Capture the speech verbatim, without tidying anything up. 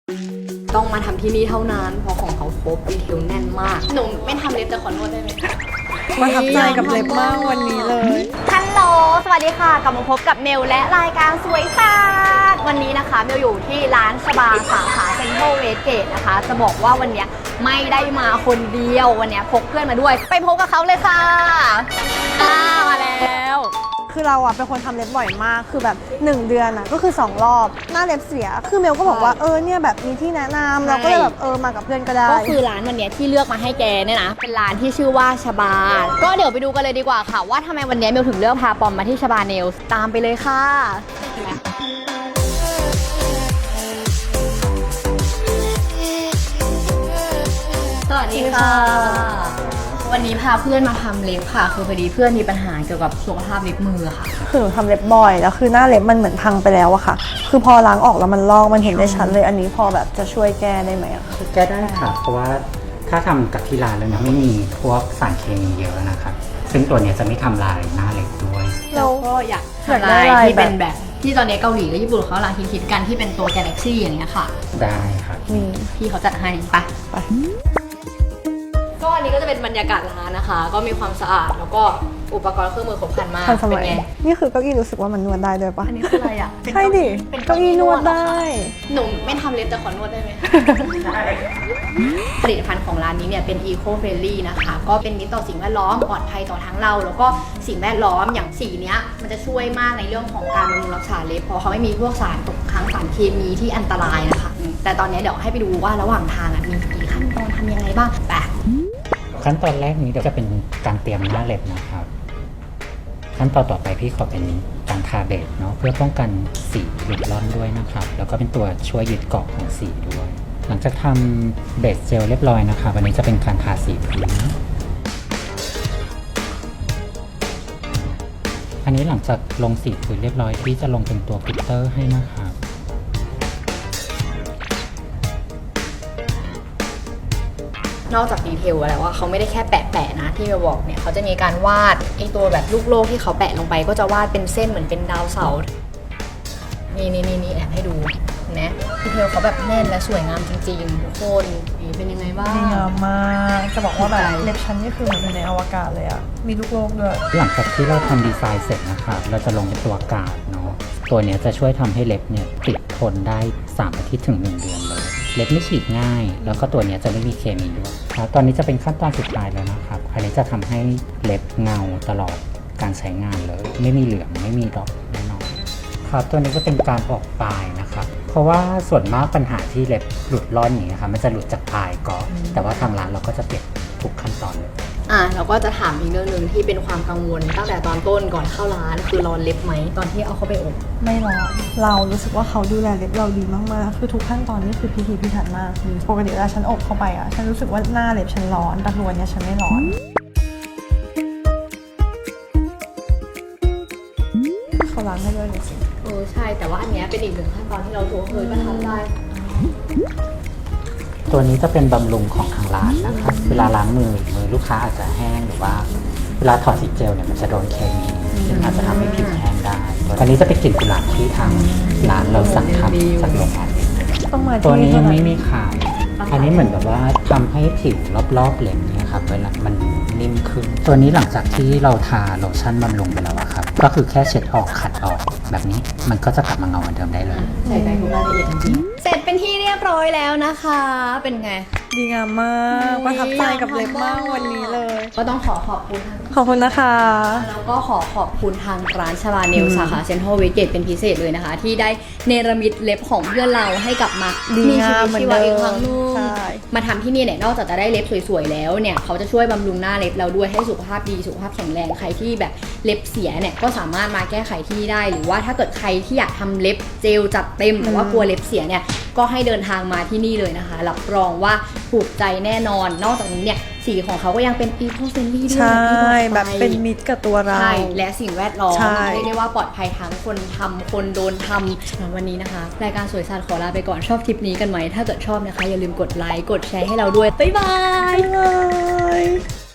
ต้องมาทำที่นี่เท่านั้นเพราะของเขาครบดีเทลแน่นมากหนูไม่ทำเล็บแต่ขอนวดได้ไหมประทับใจกับเล็บมากวันนี้เลยฮัลโหลสวัสดีค่ะกลับมาพบกับเมลและรายการสวยศาสตร์วันนี้นะคะเมลอยู่ที่ร้านสบาสาขาเซ็นทรัลเวสเกตนะคะจะบอกว่าวันนี้ไม่ได้มาคนเดียววันนี้พกเพื่อนมาด้วยไปพบกับเขาเลยค่ะอ่ามาแล้วคือเราอะเป็นคนทำเล็บบ่อยมากคือแบบหนึ่งเดือนอะก็คือสองรอบหน้าเล็บเสียคือเมลก็บอกว่าเออเนี่ยแบบมีที่แนะนำเราก็เลยแบบเออมากับเพื่อนก็ได้ก็คือร้านวันนี้ที่เลือกมาให้แกเนี่ยนะเป็นร้านที่ชื่อว่าชบาก็เดี๋ยวไปดูกันเลยดีกว่าค่ะว่าทำไมวันนี้เมลถึงเลือกพาปอมมาที่ชบาเนลส์ตามไปเลยค่ะสวัสดีค่ะวันนี้พาเพื่อนมาทำเล็บค่ะคือพอดีเพื่อนมีปัญหาเกี่ยวกับสุขภาพเล็บมือค่ะคือหนูทำเล็บบ่อยแล้วคือหน้าเล็บมันเหมือนพังไปแล้วอะค่ะคือพอล้างออกแล้วมันลอกมันเห็นได้ชัดเลยอันนี้พอแบบจะช่วยแก้ได้ไหมอะแก้ได้ค่ะเพราะว่าถ้าทำกับที่ร้านแล้วเนี่ยไม่มีพวกสารเคมีเยอะนะครับซึ่งตัวเนี้ยจะไม่ทำลายหน้าเล็บด้วยแล้วก็อยากทำลายที่เป็นแบบที่ตอนนี้เกาหลีและญี่ปุ่นเขากำลังคิดๆกันที่เป็นตัว Galaxy อย่างเงี้ยค่ะได้ครับพี่เขาจัดให้ไปไปก็อันนี้ก็จะเป็นบรรยากาศร้านนะคะก็มีความสะอาดแล้วก็อุปกรณ์เครื่องมือครบครันมากเป็นไงนี่คือเก้าอี้รู้สึกว่ามันนวดได้ด้วยปะอันนี้คืออะไรอ่ะใช่ดิเก้าอี้นวดได้หนูไม่ทำเล็บแต่ขอนวดได้ไหมผลิตภัณฑ์ของร้านนี้เนี่ยเป็น Eco Friendly นะคะก็เป็นมิตรต่อสิ่งแวดล้อมปลอดภัยต่อทั้งเราแล้วก็สิ่งแวดล้อมอย่างสีเนี้ยมันจะช่วยมากในเรื่องของการบำรุงรักษาเล็บเพราะเขาไม่มีพวกสารตกค้างสารเคมีที่อันตรายนะคะแต่ตอนนี้เดี๋ยวให้ไปดูว่าระหว่างทางมีกี่ขั้นตอนทำยังไงบ้างไปขั้นตอนแรกนี้เดี๋ยวจะเป็นการเตรียมหน้าเล็บนะครับขั้นตอนต่อไปพี่ขอเป็นการทาเบสเนาะเพื่อป้องกันสีหลุดร่อนด้วยนะครับแล้วก็เป็นตัวช่วยยึดเกาะของสีด้วยหลังจากทำเบสเจลเรียบร้อยนะคะวันนี้จะเป็นการทาสีพื้นอันนี้หลังจากลงสีพื้นเรียบร้อยพี่จะลงเป็นตัวกลิตเตอร์ให้นะครับนอกจากดีเทลแล้วว่าเขาไม่ได้แค่แปะๆนะที่เราบอกเนี่ยเขาจะมีการวาดไอตัวแบบลูกโลกที่เขาแปะลงไปก็จะวาดเป็นเส้นเหมือนเป็นดาวเสาร์นี่นี่นี่นี่แอบให้ดูนะดีเทลเขาแบบแน่นและสวยงามจริงๆทุกคนนี่เป็นยังไงบ้างดีงามมากจะบอกว่าแบบเล็บชั้นนี่คือเหมือนอยู่ในอวกาศเลยอะมีลูกโลกด้วยหลังจากที่เราทำดีไซน์เสร็จนะครับเราจะลงเป็นตัวกาดเนาะตัวนี้จะช่วยทำให้เล็บเนี่ยติดทนได้สามอาทิตย์ถึงหนึ่งเดือนเลยเล็บไม่ฉีกง่ายแล้วก็ตัวนี้จะไม่มีเคมีด้วยครับตอนนี้จะเป็นขั้นตอนสุดท้ายแล้วนะครับอันนี้จะทำให้เล็บเงาตลอดการใช้งานเลยไม่มีเหลืองไม่มีดอกแน่นอนครับตัวนี้ก็เป็นการออกปลายนะครับเพราะว่าส่วนมากปัญหาที่เล็บหลุดร่อนอย่างนี้ครับมันจะหลุดจากปลายก่อนแต่ว่าทางร้านเราก็จะเก็บทุกขั้นตอนเลยอ่ะเราก็จะถามอีกเรื่องนึงที่เป็นความกังวลตั้งแต่ตอนต้นก่อนเข้าร้านคือร้อนเล็บไหมตอนที่เอาเข้าไปอบไม่ร้อนเรารู้สึกว่าเขาดูแลเล็บเราดีมากๆคือทุกขั้นตอนนี่คือพิถีพิถันมากปกติเวลาฉันอบเข้าไปอ่ะฉันรู้สึกว่าหน้าเล็บฉันร้อนแต่ตัวเนี้ยฉันไม่ร้อนเขาล้างให้ด้วยสิเออใช่แต่ว่าอันเนี้ยเป็นอีกหนึ่งขั้นตอนที่เราถูกเคยประทับได้ตัวนี้จะเป็นบำรุงของทางร้านนะครับเวลาล้างมือมือลูกค้าอาจจะแห้งหรือว่าเวลาถอดสีเจลเนี่ยมันจะโดนเคมีซึ่งอาจจะทำให้ผิวแห้งได้ตัวนี้จะเป็นกลิ่นกุหลาบที่ทางร้านเราสั่งทำจากโรงงานตัวนี้ยังไม่มีขายอันนี้เหมือนแบบว่าทำให้ผิวรอบๆเล็บเนี่ยครับเวลามันนิ่มขึ้นตัวนี้หลังจากที่เราทาโลชั่นบำรุงไปแล้วครับก็คือแค่เช็ดออกขัดออกแบบนี้มันก็จะกลับมาเงาเหมือนเดิมได้เลยใส่ใจทุกรายละเอียดจริงเสร็จเป็นที่เรียบร้อยแล้วนะคะเป็นไงดีงามมากประทับใจกับเล็บมากวันนี้เลยก็ต้องขอขอบคุณขอบคุณนะคะแล้วก็ขอขอบคุณทางร้านชบาเนลสาขาเซ็นทรัลเวสเกตเป็นพิเศษเลยนะคะที่ได้เนรมิตเล็บของเพื่อนเราให้กลับมามีชีวิตชีวาอีกครั้งนึงมาทำที่นี่เนี่ยนอกจากจะได้เล็บสวยๆแล้วเนี่ยเขาจะช่วยบำรุงหน้าเล็บเราด้วยให้สุขภาพดีสุขภาพแข็งแรงใครที่แบบเล็บเสียเนี่ยก็สามารถมาแก้ไขที่นี่ได้หรือว่าถ้าเกิดใครที่อยากทำเล็บเจลจัดเต็มแต่ว่ากลัวเล็บเสียเนี่ยก็ให้เดินทางมาที่นี่เลยนะคะรับรองว่าถูกใจแน่นอนนอกจากนี้เนี่ยสีของเขาก็ยังเป็น Eco Friendly ด้วยใช่แบบเป็นมิตรกับตัวเราใช่และสิ่งแวดล้อมเรียกได้ว่าปลอดภัยทั้งคนทำคนโดนทำสำหรับวันนี้นะคะรายการสวยศาสตร์ขอลาไปก่อนชอบคลิปนี้กันไหมถ้าเกิดชอบนะคะอย่าลืมกดไลค์กดแชร์ให้เราด้วยบ๊ายบาย